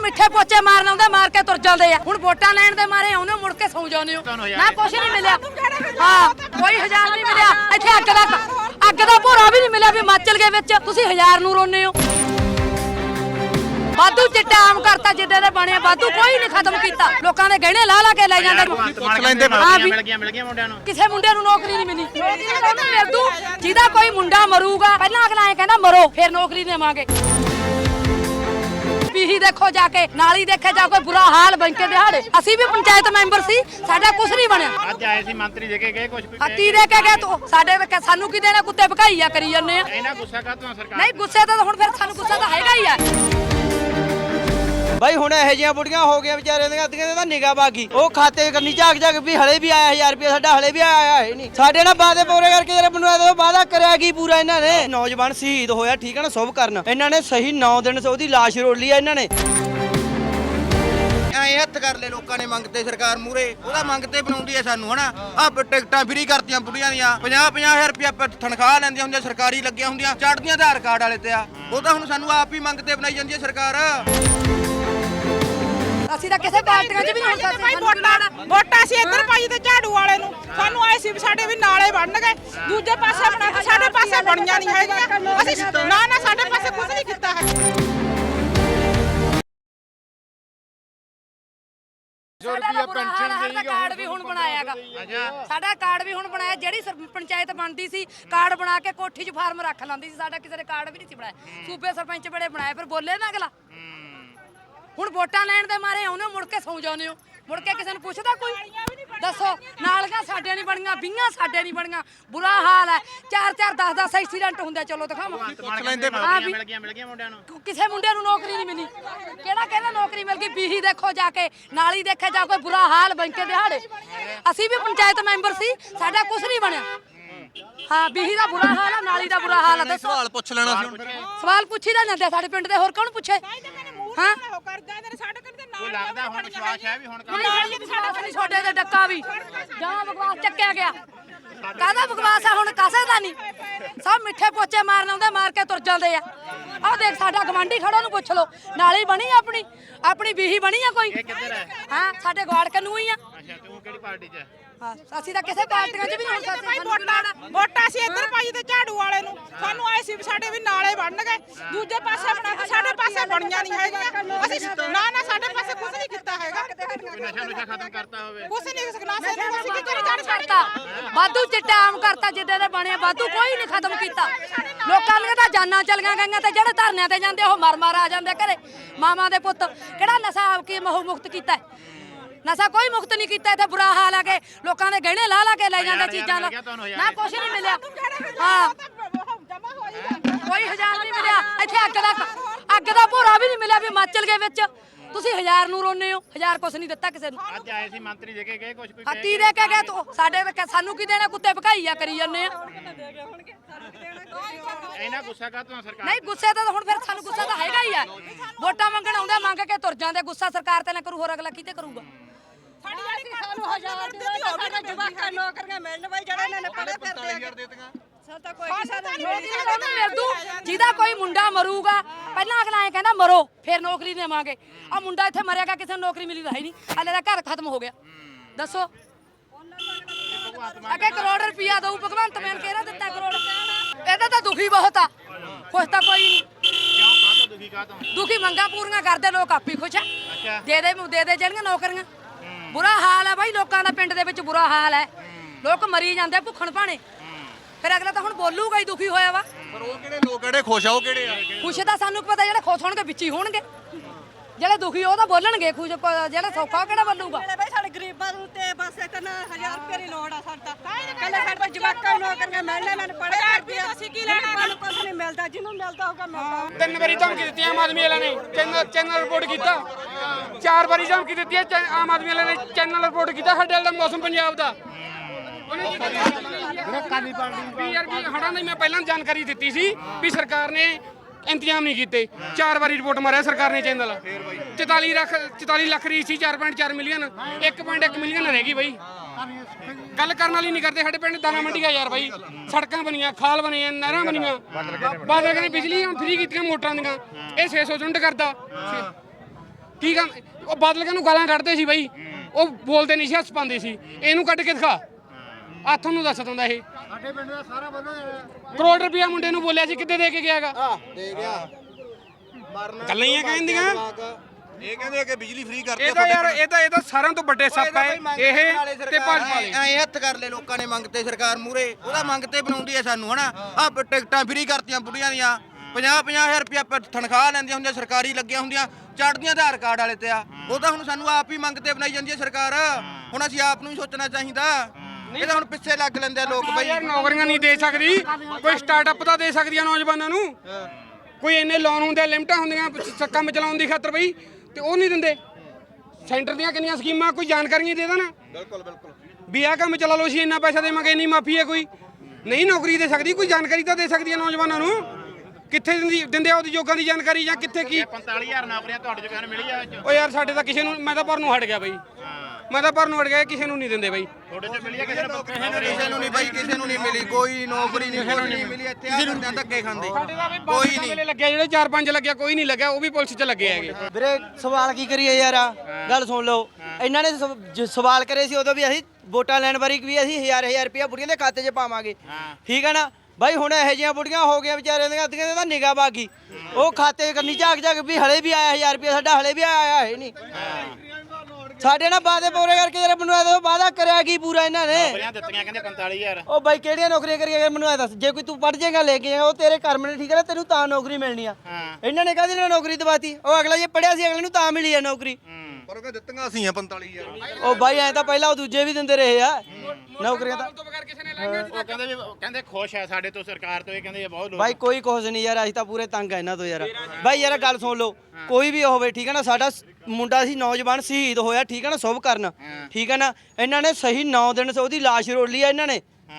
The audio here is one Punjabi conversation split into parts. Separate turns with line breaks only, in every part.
ਮਿੱਠੇ ਪੋਚੇ ਮਾਰਨ ਆਉਂਦੇ ਮਾਰ ਕੇ ਤੁਰ ਜਾਂਦੇ ਆ। ਹੁਣ ਵੋਟਾਂ ਲੈਣ ਦੇ ਮਾਰੇ ਆਉਂਦੇ ਮੁੜ ਕੇ ਸੌਂ ਜਾਂਦੇ ਹੋ ਨਾ। ਕੁਛ ਨਹੀਂ ਮਿਲਿਆ, ਹਾਂ ਕੋਈ 1000 ਨਹੀਂ ਮਿਲਿਆ। ਇੱਥੇ ਅੱਗ ਦਾ ਭੋਰਾ ਵੀ ਨਹੀਂ ਮਿਲਿਆ ਵੀ ਹਿਮਾਚਲ ਦੇ ਵਿੱਚ ਤੁਸੀਂ 1000 ਨੂੰ ਰੋਨੇ ਹੋ। ਵਾਧੂ ਚਿੱਟਾ ਆਮ ਕਰਤਾ ਜਿੱਡੇ ਦੇ ਬਣੇ ਵਾਧੂ ਕੋਈ ਨਹੀਂ ਖਤਮ ਕੀਤਾ। ਲੋਕਾਂ ਦੇ ਗਹਿਣੇ ਲਾ ਕੇ ਲੈ ਜਾਂਦੇ।
ਮਿਲ ਗਿਆ ਮੁੰਡਿਆਂ ਨੂੰ,
ਕਿਸੇ ਮੁੰਡੇ ਨੂੰ ਨੌਕਰੀ ਨਹੀਂ ਮਿਲੀ। ਮਿਲ ਦੂ ਜਿਹਦਾ ਕੋਈ ਮੁੰਡਾ ਮਰੂਗਾ ਪਹਿਲਾਂ ਅਗਲਾ ਐ ਕਹਿੰਦਾ ਮਰੋ ਫਿਰ ਨੌਕਰੀ ਦੇਵਾਂਗੇ। ਪੀਹੀ ਦੇਖੋ ਜਾ ਕੇ, ਨਾਲੀ ਦੇਖੇ ਜਾ ਕੋਈ ਬੁਰਾ ਹਾਲ ਬੈਂਕੇ ਦਿਹਾੜੇ। ਅਸੀਂ ਵੀ ਪੰਚਾਇਤ ਮੈਂਬਰ ਸੀ, ਸਾਡਾ ਕੁਝ ਨਹੀਂ ਬਣਿਆ।
ਅੱਜ ਆਏ ਸੀ ਮੰਤਰੀ ਦੇ ਕੇ ਗਏ ਕੁਝ
ਕੀ ਦੇ ਕੇ ਗਏ ਤੂੰ? ਸਾਡੇ ਸਾਨੂੰ ਕੀ ਦੇਣਾ? ਕੁੱਤੇ ਭਕਾਈਆ ਕਰੀ ਜਾਂਦੇ ਆ।
ਇਹਨਾਂ ਗੁੱਸਾ ਕਾਹਤੋਂ ਸਰਕਾਰ?
ਨਹੀਂ ਗੁੱਸੇ ਤਾਂ ਹੁਣ ਫਿਰ ਸਾਨੂੰ ਗੁੱਸਾ ਤਾਂ ਹੈਗਾ ਹੀ ਆ
ਬਾਈ। ਹੁਣ ਇਹੋ ਜਿਹੀਆਂ ਬੁੜੀਆਂ ਹੋ ਗਈਆਂ ਵਿਚਾਰੇ ਦੀਆਂ, ਅੱਧੀਆਂ ਦੇ ਤਾਂ ਨਿਗਾਹ ਬਾਗੀ। ਉਹ ਖਾਤੇ ਕਰਨੀ ਝਾਕ ਵੀ ਹਲੇ ਵੀ ਆਇਆ 1000 ਰੁਪਏ, ਸਾਡਾ ਹਲੇ ਵੀ ਆਇਆ ਹੈ ਨਹੀਂ। ਸਾਡੇ ਨਾਲ ਵਾਅਦੇ ਪੂਰੇ ਕਰਕੇ ਜਿਹੜੇ ਮੈਨੂੰ ਵਾਅਦਾ ਕਰਿਆ ਕੀ ਪੂਰਾ ਇਹਨਾਂ ਨੇ। ਨੌਜਵਾਨ ਸ਼ਹੀਦ ਹੋਇਆ, ਠੀਕ ਹੈ ਨਾ, ਸ਼ੁਭ ਕਰਨ। ਇਹਨਾਂ ਨੇ ਸਹੀ 9 ਦਿਨ ਉਹਦੀ ਲਾਸ਼ ਰੋਲੀ ਆ ਇਹਨਾਂ ਨੇ।
ਐ ਹੱਥ ਕਰ ਲੈ ਲੋਕਾਂ ਨੇ ਮੰਗਤੇ ਸਰਕਾਰ ਮੂਰੇ, ਉਹਦਾ ਮੰਗਤੇ ਬਣਾਉਂਦੀ ਐ ਸਾਨੂੰ ਹਨਾ। ਆ ਟਿਕਟਾਂ ਫ੍ਰੀ ਕਰਤੀਆਂ ਬੁੜੀਆਂ ਦੀਆਂ, 50-50 ਰੁਪਏ ਤਨਖਾਹ ਲੈਂਦੀਆਂ ਹੁੰਦੀਆਂ, ਸਰਕਾਰੀ ਲੱਗੀਆਂ ਹੁੰਦੀਆਂ, ਚੜਦੀਆਂ ਆਧਾਰ ਕਾਰਡ ਵਾਲੇ ਤੇ ਆ। ਉਹ ਤਾਂ ਹੁਣ ਸਾਨੂੰ ਆਪ ਹੀ ਮੰਗਤੇ ਬਣਾਈ ਜਾਂਦੀ ਐ ਸਰਕਾਰ।
ਅਸੀਂ ਤਾਂ ਕਿਸੇ ਪਾਰਟੀਆਂ 'ਚ ਵੀ ਨਹੀਂ ਹੋ ਸਕਦੇ।
ਵੋਟਾਂ ਅਸੀਂ ਇੱਧਰ ਪਾਈ ਤੇ ਝਾੜੂ ਵਾਲੇ ਨੂੰ। ਸਾਨੂੰ ਆਏ ਸੀ ਵੀ ਸਾਡੇ ਵੀ ਨਾਲੇ ਬਣਨਗੇ, ਦੂਜੇ ਪਾਸੇ ਬਣਾ ਕੇ ਸਾਡੇ ਪਾਸੇ ਬਣੀਆਂ ਨਹੀਂ ਹੈਗੀਆਂ। ਅਸੀਂ ਨਾ ਸਾਡੇ ਪਾਸੇ ਕੁਝ ਨਹੀਂ ਕੀਤਾ ਹੈ।
ਸਾਡਾ ਕਾਰਡ ਵੀ ਹੁਣ ਬਣਾਇਆਗਾ। ਸਾਡਾ ਕਾਰਡ ਵੀ ਹੁਣ ਬਣਾਇਆ। ਜਿਹੜੀ ਪੰਚਾਇਤ ਬਣਦੀ ਸੀ ਕਾਰਡ ਬਣਾ ਕੇ ਕੋਠੀ 'ਚ ਫਾਰਮ ਰੱਖ ਲੈਂਦੀ ਸੀ। ਸਾਡਾ ਕਿਸੇ ਨੇ ਕਾਰਡ ਵੀ ਨਹੀਂ ਸੀ ਬਣਾਇਆ। ਸੂਬੇ ਸਰਪੰਚ ਬੜੇ ਬਣਾਏ, ਫਿਰ ਬੋਲੇ ਨਾ ਅਗਲਾ। ਹੁਣ ਵੋਟਾਂ ਲੈਣ ਦੇ ਮਾਰੇ ਆਉਂਦੇ ਮੁੜ ਕੇ ਸੌਂ ਜਾਂਦੇ ਹੋ। ਮੁੜ ਕੇ ਕਿਸੇ ਨੂੰ ਪੁੱਛਦਾ ਕੋਈ? ਦੱਸੋ ਨਾਲੀਆਂ ਸਾਡੇ ਨਹੀਂ ਬਣੀਆਂ, ਬੀਆਂ ਸਾਡੇ ਨਹੀਂ ਬਣੀਆਂ, ਬੁਰਾ ਹਾਲ ਹੈ। 4-4 10-10 ਐਕਸੀਡੈਂਟ ਹੁੰਦੇ। ਚਲੋ ਦਿਖਾਵਾਂ।
ਮਿਲ ਗਿਆ ਮੁੰਡਿਆਂ ਨੂੰ,
ਕਿਸੇ ਮੁੰਡੇ ਨੂੰ ਨੌਕਰੀ ਨਹੀਂ ਮਿਲੀ। ਕਿਹੜਾ ਕਹਿੰਦਾ ਨੌਕਰੀ ਮਿਲ ਗਈ? ਪੀਹੀ ਦੇਖੋ ਜਾ ਕੇ, ਨਾਲੀ ਦੇਖੇ ਜਾ ਕੋਈ ਬੁਰਾ ਹਾਲ ਬੈਂਕੇ ਦਿਹਾੜੇ। ਅਸੀਂ ਵੀ ਪੰਚਾਇਤ ਮੈਂਬਰ ਸੀ, ਸਾਡਾ ਕੁਝ ਨਹੀਂ ਬਣਿਆ। ਹਾਂ ਬੀਹੀ ਦਾ ਬੁਰਾ ਹਾਲ ਆ, ਨਾਲੀ ਦਾ ਬੁਰਾ ਹਾਲ ਆ। ਦੱਸੋ
ਸਵਾਲ ਪੁੱਛ ਲੈਣਾ ਸੀ।
ਸਵਾਲ ਪੁੱਛੀ ਦਾ ਜਾਂਦੇ ਸਾਡੇ ਪਿੰਡ ਦੇ, ਹੋਰ ਕੌਣ ਪੁੱਛੇ? ਹਾਂ
ਕੋਈ ਲੱਗਦਾ ਹੁਣ ਵਿਸ਼ਵਾਸ ਹੈ ਵੀ ਹੁਣ
ਛੋਟੇ ਦੇ ਡੱਕਾ ਵੀ ਜਾਂ ਬਕਵਾਸ ਚੱਕਿਆ ਗਿਆ। ਕਾਹਦਾ ਬਕਵਾਸ ਆ? ਹੁਣ ਕਾਸੇ ਦਾ ਨਹੀਂ। ਸਭ ਮਿੱਠੇ ਪੋਚੇ ਮਾਰਨ ਆਉਂਦੇ ਮਾਰ ਕੇ ਤੁਰ ਜਾਂਦੇ ਆ। ਆਹ ਦੇਖ ਸਾਡਾ ਗਵਾਂਢੀ ਖੜਾ, ਨੂੰ ਪੁੱਛ ਲੋ। ਨਾਲੀ ਬਣੀ ਆਪਣੀ ਬੀਹੀ ਬਣੀ ਆ ਕੋਈ? ਹਾਂ ਸਾਡੇ ਗਵਾੜ ਕਨੂੰ ਹੀ ਆ।
ਅੱਛਾ ਤੂੰ ਕਿਹੜੀ ਪਾਰਟੀ 'ਚ?
ਅਸੀਂ ਤਾਂ ਕਿਸੇ ਪਾਰਟੀਆਂ 'ਚ ਵੀ ਨਹੀਂ ਹੋ ਸਕਦੇ।
ਵੋਟਾਂ ਅਸੀਂ ਇੱਧਰ ਪਾਈ ਤੇ ਝਾੜੂ ਵਾਲੇ ਨੂੰ। ਸਾਨੂੰ ਆਏ ਸੀ ਵੀ ਸਾਡੇ ਵੀ ਨਾਲੇ ਬਣਨਗੇ, ਦੂਜੇ ਪਾਸੇ ਬਣਾ ਕੇ ਸਾਡੇ ਪਾਸੇ ਬਣੀਆਂ ਨਹੀਂ ਹੈਗੀਆਂ। ਅਸੀਂ ਨਾ ਸਾਡੇ ਪਾਸੇ ਕੁਝ ਨਹੀਂ ਕੀਤਾ ਹੈਗਾ।
ਨਸ਼ਾ ਖਤਮ ਕਰਤਾ ਹੋਵੇ
ਕੁਝ ਨਹੀਂ ਸਕਣਾ ਅਸੀਂ ਕੀ ਕਰੀ
ਛੱਡਤਾ। ਵਾਧੂ ਚਿੱਟਾ ਆਮ ਕਰਤਾ ਜਿੱਡੇ ਦੇ ਬਣੇ ਵਾਧੂ ਕੋਈ ਨਹੀਂ ਖਤਮ ਕੀਤਾ। ਲੋਕਾਂ ਦੀਆਂ ਤਾਂ ਜਾਨਾਂ ਚਲੀਆਂ ਗਈਆਂ ਤੇ ਜਿਹੜੇ ਧਰਨਿਆਂ ਤੇ ਜਾਂਦੇ ਉਹ ਮਰ ਆ ਜਾਂਦੇ ਘਰੇ। ਮਾਵਾਂ ਦੇ ਪੁੱਤ ਕਿਹੜਾ ਨਸ਼ਾ ਕੀ ਮੁਕਤ ਕੀਤਾ? ਨਸ਼ਾ ਕੋਈ ਮੁਕਤ ਨਹੀਂ ਕੀਤਾ। ਇੱਥੇ ਬੁਰਾ ਹਾਲ ਆ ਕੇ ਲੋਕਾਂ ਦੇ ਗਹਿਣੇ ਲਾ ਕੇ ਲੈ ਜਾਂਦੇ ਚੀਜ਼ਾਂ ਨਾ। ਕੁਛ ਨਹੀਂ ਮਿਲਿਆ, ਹਾਂ ਕੋਈ 1000 ਨਹੀਂ ਮਿਲਿਆ। ਇੱਥੇ ਅੱਗ ਦਾ ਭੋਰਾ ਵੀ ਨਹੀਂ ਮਿਲਿਆ ਵੀ ਹਿਮਾਚਲ ਦੇ ਵਿੱਚ ਤੁਸੀਂ 1000 ਨੂੰ ਰੋਨੇ ਹੋ। 1000 ਕੁਛ ਨਹੀਂ ਦਿੱਤਾ ਕਿਸੇ ਨੂੰ।
ਅੱਜ ਆਏ ਸੀ ਮੰਤਰੀ ਦੇ ਕੇ ਗਏ ਕੁਝ
ਕੀ ਦੇ ਕੇ ਗਏ ਤੂੰ? ਸਾਡੇ ਸਾਨੂੰ ਕੀ ਦੇਣਾ? ਕੁੱਤੇ ਭਕਾਈਆ ਕਰੀ ਜਾਂਦੇ ਆ।
ਇਹਨਾਂ ਗੁੱਸਾ ਕਾਹਤੋਂ ਸਰਕਾਰ?
ਨਹੀਂ ਗੁੱਸੇ ਤਾਂ ਹੁਣ ਫਿਰ ਸਾਨੂੰ ਗੁੱਸਾ ਤਾਂ ਹੈਗਾ ਹੀ ਆ। ਵੋਟਾਂ ਮੰਗਣ ਆਉਂਦੇ ਮੰਗ ਕੇ ਤੁਰ ਜਾਂਦੇ। ਗੁੱਸਾ ਸਰਕਾਰ ਤੇ ਨਾ ਕਰੂ, ਹੋਰ ਅਗਲਾ ਕਿਤੇ ਕਰੂਗਾ?
ਸਾਨੂੰ 1000 ਦੇ ਸਾਡੇ ਜਵਾਕਾਂ ਨੌਕਰੀਆਂ ਮਿਲਣ ਬਈ ਜਿਹੜੇ ਨੇ ਪੜੇ ਫਿਰਦੇ ਆ। ਸਾਡਾ ਕੋਈ
ਮਿਲ ਦੂ ਜਿਹਦਾ ਕੋਈ ਮੁੰਡਾ ਮਰੂਗਾ ਪਹਿਲਾਂ ਅਗਲਾ ਐ ਕਹਿੰਦਾ ਮਰੋ ਫਿਰ ਨੌਕਰੀ ਦੇਵਾਂਗੇ। ਆ ਮੁੰਡਾ ਇੱਥੇ ਮਰਿਆਗਾ, ਕਿਸੇ ਨੂੰ ਨੌਕਰੀ ਮਿਲੀ ਤਾਂ ਹੈ ਨਹੀਂ। ਹਲੇ ਦਾ ਘਰ ਖਤਮ ਹੋ ਗਿਆ। ਦੱਸੋ ਅੱਗੇ ਕਰੋੜ ਰੁਪਇਆ ਦਊ ਭਗਵੰਤ ਮਾਨ, ਕਿਹੜਾ ਦਿੱਤਾ ਕਰੋੜ? ਇਹਦਾ ਤਾਂ ਦੁਖੀ ਬਹੁਤ ਆ, ਖੁਸ਼ ਤਾਂ ਕੋਈ ਨਹੀਂ।
ਕਿਉਂ ਕਾਹਤੋਂ ਦੁਖੀ ਕਾਹਤੋਂ?
ਦੁਖੀ ਮੰਗਾ ਪੂਰੀਆਂ ਕਰਦੇ ਲੋਕ ਆਪੀ ਖੁਸ਼ ਆ। ਦੇ ਦੇ ਜਿਹੜੀਆਂ ਨੌਕਰੀਆਂ। ਬੁਰਾ ਹਾਲ ਹੈ ਬਾਈ ਲੋਕਾਂ ਦਾ, ਪਿੰਡ ਦੇ ਵਿੱਚ ਬੁਰਾ ਹਾਲ ਹੈ। ਲੋਕ ਮਰੀ ਜਾਂਦੇ ਭੁੱਖਣ ਭਾਣੇ। ਫਿਰ ਅਗਲਾ ਤਾਂ ਹੁਣ ਬੋਲੂਗਾ ਹੀ, ਦੁਖੀ ਹੋਇਆ ਵਾ।
ਪਰ ਉਹ ਕਿਹੜੇ ਲੋਕ ਕਿਹੜੇ ਖੁਸ਼ ਆ? ਉਹ ਕਿਹੜੇ ਆ?
ਖੁਸ਼ ਤਾਂ ਸਾਨੂੰ ਪਤਾ, ਜਿਹੜੇ ਖੁਸ਼ ਹੋਣਗੇ ਵਿੱਚ ਹੀ ਹੋਣਗੇ। ਜਿਹੜੇ ਦੁਖੀ ਉਹ ਤਾਂ ਬੋਲਣਗੇ। ਖੁਸ਼ ਜਿਹੜਾ ਸੌਖਾ ਉਹ ਕਿਹੜਾ ਬੋਲੂਗਾ?
ਬਈ ਸਾਡੇ ਗਰੀਬਾਂ ਨੂੰ ਤੇ ਬਸ ਇੱਕ ਨਾ 1000 ਰੁਪਏ ਦੀ ਲੋੜ ਆ। ਸਾਡਾ ਕੱਲੇ ਸਾਡੇ ਜਵਾਕਾਂ ਨੂੰ ਨੌਕਰੀਆਂ ਮਿਲਣੇ ਮੈਨੂੰ ਪੜੇ ਕਰਦੇ ਆ। ਅਸੀਂ ਕੀ ਲੈਣਾ? ਸਾਨੂੰ ਕੁਝ ਨਹੀਂ ਮਿਲਦਾ, ਜਿਹਨੂੰ ਮਿਲਦਾ ਹੋਊਗਾ ਮਿਲਦਾ।
3 ਵਾਰੀ ਧਮਕੀ ਦਿੱਤੀ ਆਮ ਆਦਮੀ ਵਾਲਿਆਂ ਨੇ, ਚੈਨਲ ਰਿਪੋਰਟ ਕੀਤਾ। 4 ਵਾਰੀ ਧਮਕੀ ਦਿੱਤੀ ਹੈ ਆਮ ਆਦਮੀ ਵਾਲਿਆਂ ਨੇ, ਚੈਨਲ ਰਿਪੋਰਟ ਕੀਤਾ। ਸਾਡੇ ਵਾਲਾ ਮੌਸਮ ਪੰਜਾਬ ਦਾ ਹੜਾਂ ਦੀ ਮੈਂ ਪਹਿਲਾਂ ਜਾਣਕਾਰੀ ਦਿੱਤੀ ਸੀ ਵੀ ਸਰਕਾਰ ਨੇ ਇੰਤਜ਼ਾਮ ਨਹੀਂ ਕੀਤੇ। 4 ਵਾਰੀ ਰਿਪੋਰਟ ਮਾਰਿਆ ਸਰਕਾਰ ਨੇ ਚੈਨਲ। 44 ਲੱਖ ਰੀਚ ਸੀ, 4.4 ਮਿਲੀਅਨ, 1.1 ਮਿਲੀਅਨ ਰਹਿ ਗਈ ਬਈ। ਗੱਲ ਕਰਨ ਵਾਲੀ ਨਹੀਂ ਕਰਦੇ। ਸਾਡੇ ਪਿੰਡ ਦਾਣਾ ਮੰਡੀ ਆ ਯਾਰ ਬਾਈ, ਸੜਕਾਂ ਬਣੀਆਂ, ਖਾਲ ਬਣੇ, ਨਹਿਰਾਂ ਬਣੀਆਂ। ਬਾਦਲ ਕਹਿੰਦੇ ਬਿਜਲੀ ਫ੍ਰੀ ਕੀਤੀਆਂ ਮੋਟਰਾਂ ਦੀਆਂ। ਇਹ 600 ਯੂਨਿਟ ਕਰਦਾ। ਕੀ ਗੱਲ ਉਹ ਬਾਦਲ ਨੂੰ ਗਾਲਾਂ ਕੱਢਦੇ ਸੀ ਬਈ ਉਹ ਬੋਲਦੇ ਨਹੀਂ ਸੀ ਹੱਸ ਪਾਉਂਦੇ ਸੀ ਇਹਨੂੰ ਕੱਢ ਕੇ ਦਿਖਾ ਆ ਤੁਹਾਨੂੰ ਦੱਸ ਦਿੰਦਾ ਇਹ
ਸਾਡੇ ਪਿੰਡ ਦਾ ਸਾਰਾ
ਕਰੋੜ ਰੁਪਇਆ ਮੁੰਡੇ ਨੂੰ ਬੋਲਿਆ ਸੀ ਕਿੱਥੇ ਦੇ ਕੇ ਗਿਆਗਾ
ਦੇ ਗਿਆ
ਗੱਲਾਂ ਹੀ ਕਹਿੰਦੀਆਂ
ਇਹ ਕਹਿੰਦੇ ਕਿ ਬਿਜਲੀ ਫ੍ਰੀ ਕਰਤੀ
ਇਹ ਤਾਂ ਯਾਰ ਇਹ ਤਾਂ ਸਾਰਿਆਂ ਤੋਂ ਵੱਡੇ ਸੱਪ ਹੈ ਇਹ ਤੇ ਭਾਜਪਾ ਵਾਲੇ
ਐ ਹੱਥ ਕਰ ਲੈ ਲੋਕਾਂ ਨੇ ਮੰਗਤੇ ਸਰਕਾਰ ਮੂਰੇ ਉਹਦਾ ਮੰਗਤੇ ਬਣਾਉਂਦੀ ਐ ਸਾਨੂੰ ਹਨਾ ਆ ਟਿਕਟਾਂ ਫ੍ਰੀ ਕਰਤੀਆਂ ਬੁੱਢੀਆਂ ਦੀਆਂ 50,000 ਰੁਪਇਆ ਤਨਖਾਹ ਲੈਂਦੀਆਂ ਹੁੰਦੀਆਂ ਸਰਕਾਰੀ ਲੱਗੀਆਂ ਹੁੰਦੀਆਂ ਚੜ੍ਹਦੀਆਂ ਆਧਾਰ ਕਾਰਡ ਵਾਲੇ ਤੇ ਆ ਉਹ ਤਾਂ ਹੁਣ ਸਾਨੂੰ ਆਪ ਹੀ ਮੰਗਤੇ ਬਣਾਈ ਜਾਂਦੀ ਹੈ ਸਰਕਾਰ ਹੁਣ ਅਸੀਂ ਆਪ ਨੂੰ ਹੀ ਸੋਚਣਾ ਚਾਹੀਦਾ ਇਹ ਤਾਂ ਹੁਣ ਪਿੱਛੇ ਲੱਗ ਲੈਂਦੇ ਆ ਲੋਕ ਬਈ
ਯਾਰ ਨੌਕਰੀਆਂ ਨਹੀਂ ਦੇ ਸਕਦੀ ਕੋਈ ਸਟਾਰਟਅਪ ਤਾਂ ਦੇ ਸਕਦੀ ਆ ਨੌਜਵਾਨਾਂ ਨੂੰ ਕੋਈ ਇੰਨੇ ਲੋਨ ਹੁੰਦੇ ਲਿਮਟਾਂ ਹੁੰਦੀਆਂ ਕੰਮ ਚਲਾਉਣ ਦੀ ਖਾਤਰ ਬਈ ਤੇ ਉਹ ਨਹੀਂ ਦਿੰਦੇ ਸੈਂਟਰ ਦੀਆਂ ਕਿੰਨੀਆਂ ਸਕੀਮਾਂ ਕੋਈ ਜਾਣਕਾਰੀਆਂ ਦੇ ਦੇਣ
ਬਿਲਕੁਲ
ਵੀ ਆਹ ਕੰਮ ਚਲਾ ਲਓ ਅਸੀਂ ਇੰਨਾ ਪੈਸਾ ਦੇਵਾਂਗੇ ਇੰਨੀ ਮਾਫੀ ਹੈ ਕੋਈ ਨਹੀਂ ਨੌਕਰੀ ਦੇ ਸਕਦੀ ਕੋਈ ਜਾਣਕਾਰੀ ਤਾਂ ਦੇ ਸਕਦੀ ਹੈ ਨੌਜਵਾਨਾਂ ਨੂੰ ਕਿੱਥੇ ਦਿੰਦੇ ਆ ਉਦਯੋਗਾਂ ਦੀ ਜਾਣਕਾਰੀ ਜਾਂ ਕਿੱਥੇ ਕੀ
45,000 ਨੌਕਰੀਆਂ ਤੁਹਾਡੇ ਜਗ੍ਹਾ ਨੂੰ ਮਿਲੀ ਆ ਅੱਜ
ਓ ਯਾਰ ਸਾਡੇ ਤਾਂ ਕਿਸੇ ਨੂੰ ਮੈਂ ਤਾਂ ਪਰ ਨੂੰ ਹਟ ਗਿਆ ਬਈ ਮੈਂ ਤਾਂ ਪਰ ਨੂੰ ਹਟ ਗਿਆ ਕਿਸੇ ਨੂੰ ਨਹੀਂ ਦਿੰਦੇ ਬਈ
ਤੁਹਾਡੇ ਚ ਮਿਲੀ ਆ ਕਿਸੇ ਨੂੰ
ਕਿਸੇ ਨੂੰ ਨਹੀਂ ਬਾਈ ਕਿਸੇ ਨੂੰ ਨਹੀਂ ਮਿਲੀ ਕੋਈ ਨੌਕਰੀ ਨਹੀਂ ਮਿਲੀ ਇੱਥੇ ਆ ਬੰਦਿਆਂ ਧੱਕੇ ਖਾਂਦੇ ਕੋਈ ਨਹੀਂ
ਵੇਲੇ ਲੱਗਿਆ ਜਿਹੜੇ 4-5 ਲੱਗਿਆ ਕੋਈ ਨਹੀਂ ਲੱਗਿਆ ਉਹ ਵੀ ਪੁਲਿਸ 'ਚ ਲੱਗੇ ਹੈਗੇ
ਵੀਰੇ ਸਵਾਲ ਕੀ ਕਰੀਏ ਯਾਰ ਗੱਲ ਸੁਣ ਲਓ ਇਹਨਾਂ ਨੇ ਸਵਾਲ ਕਰੇ ਸੀ ਉਦੋਂ ਵੀ ਅਸੀਂ ਵੋਟਾਂ ਲੈਣ ਵਾਰੀ ਵੀ ਅਸੀਂ 1000 ਰੁਪਇਆ ਬੁੜੀਆਂ ਦੇ ਖਾਤੇ 'ਚ ਪਾਵਾਂਗੇ ਠੀਕ ਹੈ ਨਾ ਬਾਈ ਹੁਣ ਇਹੋ ਜਿਹੀਆਂ ਬੁੜੀਆਂ ਹੋ ਗਈਆਂ ਵਿਚਾਰਿਆਂ ਦੀਆਂ ਅੱਧੀਆਂ ਦੇ ਤਾਂ ਨਿਗਾਹ ਬਾਗੀ ਉਹ ਖਾਤੇ ਕਰਨੀ ਝਾਕ ਵੀ ਹਲੇ ਵੀ ਆਇਆ 1000 ਰੁਪਇਆ ਸਾਡਾ ਹਲੇ ਵੀ ਆਇਆ ਹੈ ਨਹੀਂ ਸਾਡੇ ਨਾਲ ਵਾਅਦੇ ਪੂਰੇ ਕਰਕੇ ਜਰਾ ਮੈਨੂੰ ਇਹ ਵਾਅਦਾ ਕਰਿਆ ਕੀ ਪੂਰਾ ਇਹਨਾਂ ਨੇ
ਨੌਕਰੀਆਂ ਦਿੱਤੀਆਂ ਕਹਿੰਦੇ 45,000
ਉਹ ਬਾਈ ਕਿਹੜੀਆਂ ਨੌਕਰੀਆਂ ਕਰੀਏ ਮੈਨੂੰ ਇਹ ਦੱਸ ਜੇ ਕੋਈ ਤੂੰ ਪੜ ਜਾਏਗਾ ਲੈ ਕੇ ਜਾਏਗਾ ਉਹ ਤੇਰੇ ਕਰਮ ਨੇ ਠੀਕ ਹੈ ਨਾ ਤੈਨੂੰ ਤਾਂ ਨੌਕਰੀ ਮਿਲਣੀ ਆ ਇਹਨਾਂ ਨੇ ਕਾਹਦੀ ਨਾਲ ਨੌਕਰੀ ਦਵਾਤੀ ਉਹ ਅਗਲਾ ਜੇ ਪੜਿਆ ਸੀ ਅਗਲੇ ਨੂੰ ਤਾਂ ਮਿਲੀ ਆ ਨੌਕਰੀ
ਪਰ ਉਹ ਦਿੱਤੀਆਂ ਸੀ 45,000
ਉਹ ਬਾਈ ਐ ਤਾਂ ਪਹਿਲਾਂ ਉਹ ਦੂਜੇ ਵੀ ਦਿੰਦੇ ਰਹੇ ਆ ਨੌਕਰੀਆਂ ਤਾਂ
ਤੋਂ ਬਗੈਰ ਕਿਸੇ ਨੇ ਲੈਣੀਆਂ
ਉਹ ਕਹਿੰਦੇ ਖੁਸ਼ ਹੈ ਸਾਡੇ ਤੋਂ ਸਰਕਾਰ ਤੋਂ ਇਹ ਕਹਿੰਦੇ ਇਹ ਬਹੁਤ ਲੋਕ
ਬਾਈ ਕੋਈ ਕੁਛ ਨਹੀਂ ਯਾਰ ਅਸੀਂ ਤਾਂ ਪੂਰੇ ਤੰਗ ਆ ਇਹਨਾਂ ਤੋਂ ਯਾਰ ਬਾਈ ਯਾਰ ਗੱਲ ਸੁਣ ਲਓ ਕੋਈ ਵੀ ਹੋਵੇ ਠੀਕ ਹੈ ਨਾ ਸਾਡਾ ਮੁੰਡਾ ਸੀ ਨੌਜਵਾਨ ਸ਼ਹੀਦ ਹੋਇਆ ਠੀਕ ਹੈ ਨਾ ਸ਼ੁਭ ਕਰਨ ਠੀਕ ਹੈ ਨਾ ਇਹਨਾਂ ਨੇ ਸਹੀ 9 ਦਿਨ ਉਹਦੀ ਲਾਸ਼ ਰੋਲੀ ਆ ਇਹਨਾਂ ਨੇ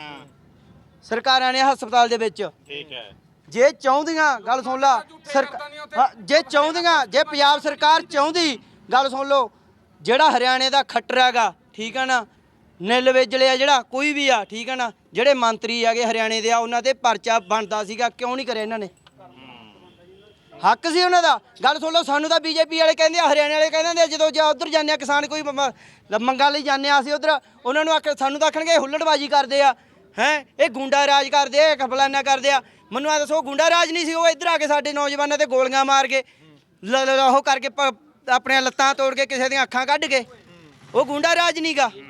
ਸਰਕਾਰਾਂ ਨੇ ਹਸਪਤਾਲ ਦੇ ਵਿੱਚ
ਠੀਕ ਹੈ
ਜੇ ਚਾਹੁੰਦੀਆਂ ਗੱਲ ਸੁਣ ਲਾ ਜੇ ਚਾਹੁੰਦੀਆਂ ਜੇ ਪੰਜਾਬ ਸਰਕਾਰ ਚਾਹੁੰਦੀ ਗੱਲ ਸੁਣ ਲਓ ਜਿਹੜਾ ਹਰਿਆਣੇ ਦਾ ਖੱਟਰ ਹੈਗਾ ਠੀਕ ਹੈ ਨਾ ਨਿੱਲ ਵੇਜਲੇ ਆ ਜਿਹੜਾ ਕੋਈ ਵੀ ਆ ਠੀਕ ਹੈ ਨਾ ਜਿਹੜੇ ਮੰਤਰੀ ਹੈਗੇ ਹਰਿਆਣੇ ਦੇ ਆ ਉਹਨਾਂ ਤੇ ਪਰਚਾ ਬਣਦਾ ਸੀਗਾ ਕਿਉਂ ਨਹੀਂ ਕਰਿਆ ਇਹਨਾਂ ਨੇ ਹੱਕ ਸੀ ਉਹਨਾਂ ਦਾ ਗੱਲ ਸੁਣ ਲਓ ਸਾਨੂੰ ਤਾਂ ਬੀਜੇਪੀ ਵਾਲੇ ਕਹਿੰਦੇ ਆ ਹਰਿਆਣੇ ਵਾਲੇ ਕਹਿੰਦੇ ਆ ਜਦੋਂ ਜਾਂ ਉਧਰ ਜਾਂਦੇ ਆ ਕਿਸਾਨ ਕੋਈ ਮੰਗਾਂ ਲਈ ਜਾਂਦੇ ਆ ਅਸੀਂ ਉਧਰ ਉਹਨਾਂ ਨੂੰ ਸਾਨੂੰ ਤਾਂ ਆਖਣਗੇ ਹੁੱਲੜਬਾਜੀ ਕਰਦੇ ਆ ਹੈ ਇਹ ਗੁੰਡਾ ਰਾਜ ਕਰਦੇ ਆ ਕਫਲਾਨਾ ਕਰਦੇ ਆ ਮੈਨੂੰ ਆ ਦੱਸੋ ਗੁੰਡਾ ਰਾਜ ਨਹੀਂ ਸੀ ਉਹ ਇੱਧਰ ਆ ਕੇ ਸਾਡੇ ਨੌਜਵਾਨਾਂ ਤੇ ਗੋਲੀਆਂ ਮਾਰ ਕੇ ਉਹ ਕਰਕੇ ਆਪਣੀਆਂ ਲੱਤਾਂ ਤੋੜ ਕੇ ਕਿਸੇ ਦੀਆਂ ਅੱਖਾਂ ਕੱਢ ਕੇ ਉਹ ਗੁੰਡਾ ਰਾਜ ਨਹੀਂਗਾ